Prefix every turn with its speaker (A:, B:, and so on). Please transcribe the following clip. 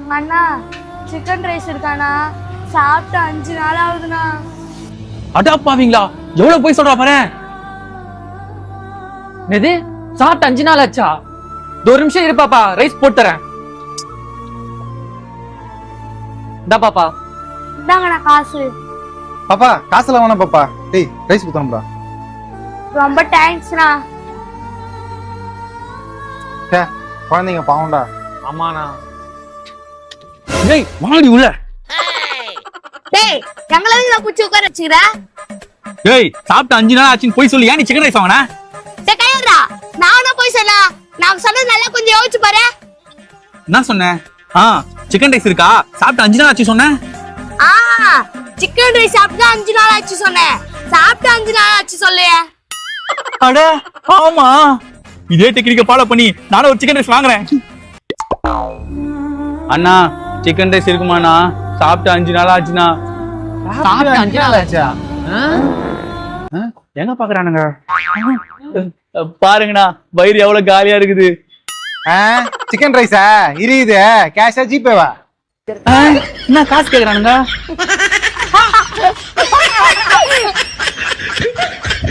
A: அண்ணா chicken rice இருக்காண்ணா சாப்பிட்டு 5 நாள் ஆகுதுண்ணா.
B: அடாப்பாவீங்களா எவ்வளவு போய் சொல்றா பாரு. எது சாப்பிட்டு 5 நாள் ஆச்சா? ஒரு நிமிஷம் இரு பாப்பா, ரைஸ் போட்டு தரேன். இந்தா பாப்பா.
A: இந்தாங்கண்ணா காசு.
C: பாப்பா காசுல வேணாம் பாப்பா. டேய் ரைஸ் குத்தணும்டா.
A: ரொம்ப தேங்க்ஸ்ண்ணா.
C: குழந்தைங்க பாவம்டா.
B: ஆமாண்ணா. டேய் வாடி உள்ள.
A: டேய் எங்களை நான் குச்சி உட்கார வச்சுக்கிற.
B: டேய் சாப்பிட்டு 5 நாள் ஆச்சுன்னு போய் சொல்லி ஏன் நீ சிக்கன் ரைஸ் வாங்கினா?
A: டேய் கையறா, நானா போய் சொன்னா? நான் சொன்னது நல்லா கொஞ்சம் யோசிச்சு பாரு.
B: என்ன சொன்னேன்? சிக்கன் ரைஸ் இருக்கா சாப்பிட்டு 5 நாள் ஆச்சு சொன்னேன்.
A: சிக்கன் ரைஸ் சாப்பிட்டு 5 நாள் ஆச்சு சொன்னேன். சாப்பிட்டு 5 நாள் ஆச்சு சொல்லையே.
B: அட ஆமா, இதே டெக்னிக்க ஃபாலோ பண்ணி நானும் ஒரு சிக்கன் ரைஸ் வாங்குறேன். அண்ணா சிக்கன் ரைஸ் இருக்குமாண்ணா? சாப்பிட்டு 5 நாள் ஆச்சுண்ணா.
C: சாப்பிட்டு 5 நாள் ஆச்சா?
B: எங்க பாக்குறானுங்க பாருங்கண்ணா, வயிறு எவ்வளவு காலியா இருக்குது.
C: சிக்கன் ரைஸா இருக்குது? கேஷா ஜிபேவா?
B: என்ன காசு கேக்குறானுங்க?